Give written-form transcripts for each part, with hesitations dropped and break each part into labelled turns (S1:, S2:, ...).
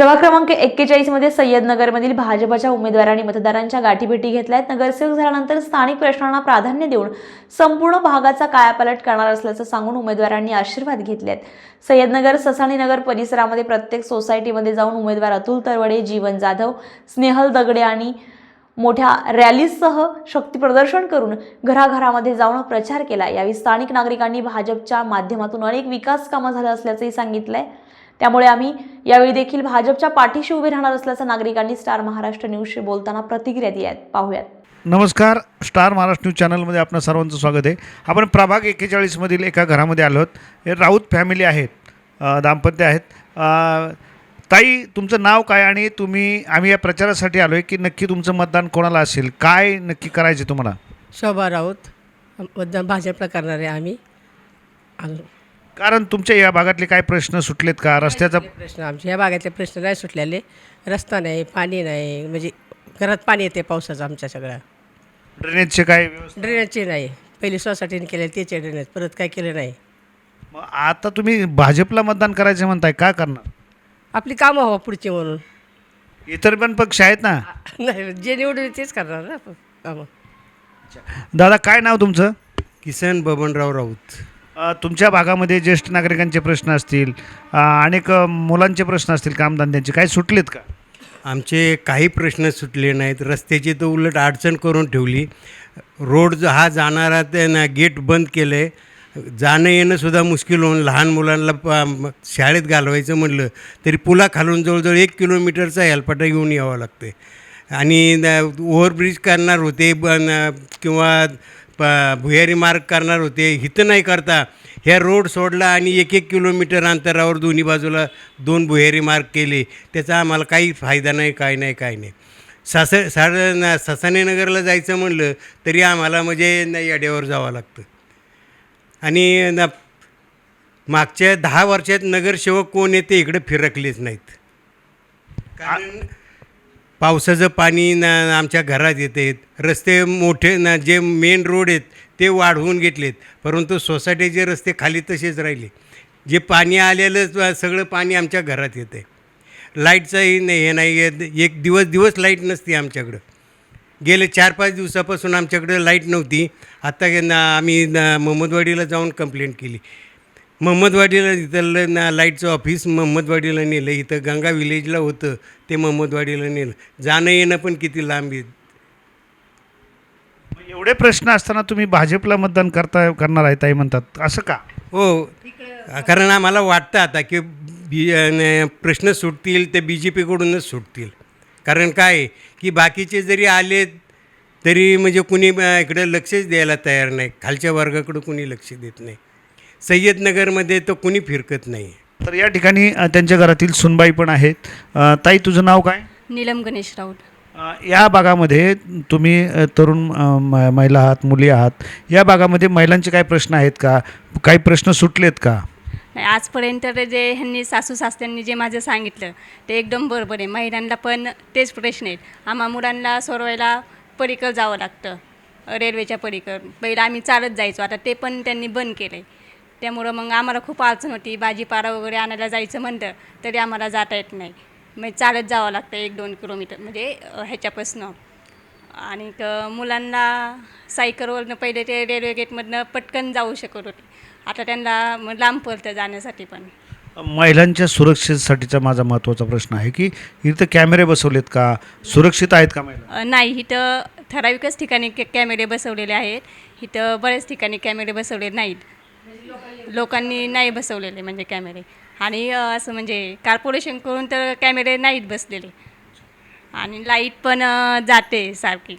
S1: प्रभाग क्रमांक 41 मध्ये सय्यदनगरमधील भाजपच्या उमेदवारांनी मतदारांच्या गाठीभेटी घेतल्यात। नगरसेवक झाल्यानंतर स्थानिक प्रश्नांना प्राधान्य देऊन संपूर्ण भागाचा कायापालट करणार असल्याचं सांगून उमेदवारांनी आशीर्वाद घेतलेत। सय्यदनगर ससाणी नगर परिसरामध्ये प्रत्येक सोसायटीमध्ये जाऊन उमेदवार अतुल तरवडे, जीवन जाधव, स्नेहल दगडे आणि मोठ्या रॅलीसह शक्ती प्रदर्शन करून घराघरामध्ये जाऊन प्रचार केला। यावेळी स्थानिक नागरिकांनी भाजपच्या माध्यमातून अनेक विकास कामं झालं असल्याचंही सांगितलंय। त्यामुळे आम्ही यावेळी देखील भाजपच्या पाठीशी उभे राहणार असल्याचं नागरिकांनी स्टार महाराष्ट्र न्यूजशी बोलताना प्रतिक्रिया दिल्यात। पाहूयात।
S2: नमस्कार, स्टार महाराष्ट्र न्यूज चॅनलमध्ये आपणा सर्वांचं स्वागत आहे। आपण प्रभाग 41 मधील एका घरामध्ये आलो आहोत। हे राऊत फॅमिली आहेत, दाम्पत्य आहेत। ताई, तुमचं नाव काय आणि आम्ही या प्रचारासाठी आलो आहे की नक्की तुमचं मतदान कोणाला असेल, काय नक्की करायचे तुम्हाला?
S3: शोभा राऊत, मतदान भाजपला करणार आहे आम्ही।
S2: कारण तुमच्या या भागातले काय प्रश्न सुटलेत का? रस्त्याचा
S3: प्रश्न आमच्या या भागातले प्रश्न नाही सुटलेले। रस्ता नाही, पाणी नाही, म्हणजे घरात पाणी येते पावसाचं आमच्या सगळ्या।
S2: ड्रेनेजचे काय व्यवस्था?
S3: ड्रेनेजचे नाही, पहिली सोसायटीने केले त्याचे ड्रेनेज, परत काय केलं नाही।
S2: मग आता तुम्ही भाजपला मतदान करायचं म्हणताय, काय करणार?
S3: आपली कामं हवं पुढची म्हणून।
S2: इतर पण पक्ष आहेत ना?
S3: नाही, जे निवडून तेच करणार ना कामं।
S2: दादा, काय नाव तुमचं?
S4: किसन बबनराव राऊत।
S2: तुमच्या भागामध्ये ज्येष्ठ नागरिकांचे प्रश्न असतील, अनेक मुलांचे प्रश्न असतील, कामधंद्यांचे काय सुटलेत का?
S4: आमचे काही प्रश्न सुटले नाहीत। रस्त्याची तर उलट अडचण करून ठेवली। रोड हा जाणारा ते गेट बंद केलं आहे। जाणं येणंसुद्धा मुश्किल होऊन लहान मुलांना शाळेत घालवायचं म्हटलं तरी पुलाखालून जवळजवळ 1 किलोमीटरचा हेलपाटा घेऊन यावं लागतं आहे। आणि ओव्हरब्रिज करणार होते किंवा भुयारी मार्ग करणार होते, इथं नाही करता ह्या रोड सोडला आणि 1-1 किलोमीटर अंतरावर दोन्ही बाजूला 2 भुयारी मार्ग केले। त्याचा आम्हाला काही फायदा नाही, काय नाही। ससाणे नगरला जायचं म्हणलं तरी आम्हाला म्हणजे याड्यावर जावं लागतं। आणि मागच्या 10 वर्षात नगरसेवक कोण येते इकडे फिरकलेच नाहीत। कारण पावसाचं पाणी आमच्या घरात येते। रस्ते मोठे जे मेन रोड आहेत ते वाढवून घेतलेत, परंतु सोसायटीचे रस्ते खाली तसेच राहिले। जे पाणी आलेलं सगळं पाणी आमच्या घरात येतं आहे। लाईटचंही नाही, हे नाही, एक दिवस लाईट नसते आमच्याकडं। गेले 4-5 दिवसापासून आमच्याकडं लाईट नव्हती। आता आम्ही महमदवाडीला जाऊन कंप्लेंट केली। महमदवाडीला इथलं लाईटचं ऑफिस महमदवाडीला नेलं, इथं गंगा विलेजला होतं ते महमदवाडीला नेलं। जाणं येणं पण किती लांब आहे।
S2: एवढे प्रश्न असताना तुम्ही भाजपला मतदान करणार आहे ताई म्हणतात, असं का?
S4: हो, कारण आम्हाला वाटतं आता की प्रश्न सुटतील ते BJPकडूनच सुटतील। कारण काय की बाकीचे जरी आले तरी म्हणजे कुणी इकडं लक्षच द्यायला तयार नाही। खालच्या वर्गाकडं कुणी लक्ष देत नाही। सय्यदनगरमध्ये तर कुणी फिरकत नाही।
S2: तर या ठिकाणी त्यांच्या घरातील सुनबाई पण आहेत। ताई, तुझं नाव काय?
S5: नीलम गणेश राऊत।
S2: या भागामध्ये तुम्ही तरुण महिला आहात, मुली आहात। या भागामध्ये महिलांचे काय प्रश्न आहेत का? काही प्रश्न सुटलेत का?
S5: नाही, आजपर्यंत जे ह्यांनी सासू सासऱ्यांनी जे माझं सांगितलं ते एकदम बरोबर आहे। महिलांना पण तेच प्रश्न आहेत। आम्हा मुलांना सोडवायला पलीकडं जावं लागतं, रेल्वेच्या पलीकडं। पहिलं आम्ही चालत जायचो, आता ते पण त्यांनी बंद केलं आहे। त्यामुळं मग आम्हाला खूप अडचण होती। भाजीपाला वगैरे आणायला जायचं म्हणलं तरी आम्हाला जाता येत नाही, मग चालत जावं लागतं 1-2 किलोमीटर म्हणजे ह्याच्यापासून। आणि मुलांना सायकलवरनं पहिले ते रेल्वे गेटमधनं पटकन जाऊ शकत होते, आता त्यांना लांब पडतं जाण्यासाठी पण।
S2: महिलांच्या सुरक्षेसाठीचा माझा महत्त्वाचा प्रश्न आहे की इथं कॅमेरे बसवलेत का? सुरक्षित आहेत का महिला?
S5: नाही, इथं ठराविकच ठिकाणी कॅमेरे बसवलेले आहेत। इथं बऱ्याच ठिकाणी कॅमेरे बसवले नाहीत, लोकांनी नाही बसवलेले म्हणजे कॅमेरे। आणि असं म्हणजे कॉर्पोरेशन करून तर कॅमेरे नाहीत बसलेले, आणि लाईट पण जाते सारखी।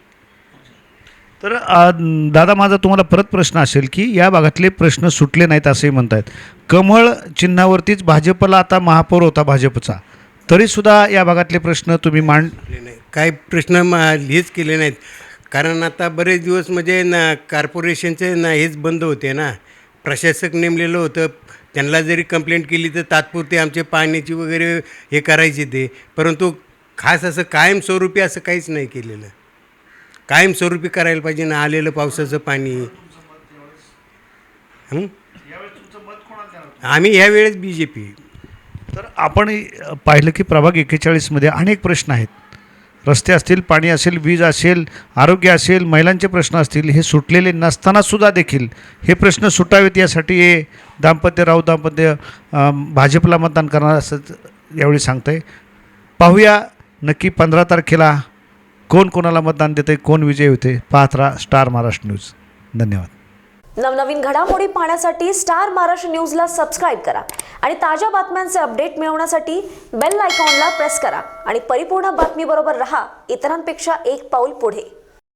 S2: तर दादा, माझा तुम्हाला परत प्रश्न असेल की या भागातले प्रश्न सुटले नाहीत असंही म्हणतायत। कमळ चिन्हावरतीच भाजपला आता महापौर होता भाजपचा, तरीसुद्धा या भागातले प्रश्न तुम्ही
S4: नाही, काही प्रश्न हेच केले नाहीत। कारण आता बरेच दिवस म्हणजे कॉर्पोरेशनचे हेच बंद होते ना, प्रशासक नेमलेलं होतं। त्यांना जरी कंप्लेंट केली तर तात्पुरते आमचे पाण्याची वगैरे हे करायचे ते, परंतु खास असं कायमस्वरूपी असं काहीच नाही केलेलं। कायमस्वरूपी करायला पाहिजे ना आलेलं पावसाचं पाणी। आम्ही ह्यावेळेस BJP।
S2: तर आपण पाहिलं की प्रभाग 41मध्ये अनेक प्रश्न आहेत. रस्ते असतील, पाणी असेल, वीज असेल, आरोग्य असेल, महिलांचे प्रश्न असतील, हे सुटलेले नसतानासुद्धा देखील हे प्रश्न सुटावेत यासाठी हे राऊत दाम्पत्य भाजपला मतदान करणार असं यावेळी सांगतं आहे. पाहूया नक्की 15 तारखेला कोण कोणाला मतदान देतं आहे, कोण विजय होते. पाहत राहा स्टार महाराष्ट्र न्यूज. धन्यवाद.
S6: नवनवीन घडामोडी पाहण्यासाठी स्टार महाराष्ट्र न्यूजला सबस्क्राईब करा आणि ताज्या बातम्यांचे अपडेट मिळवण्यासाठी बेल आयकॉनला प्रेस करा आणि परिपूर्ण बातमीबरोबर रहा, इतरांपेक्षा एक पाऊल पुढे.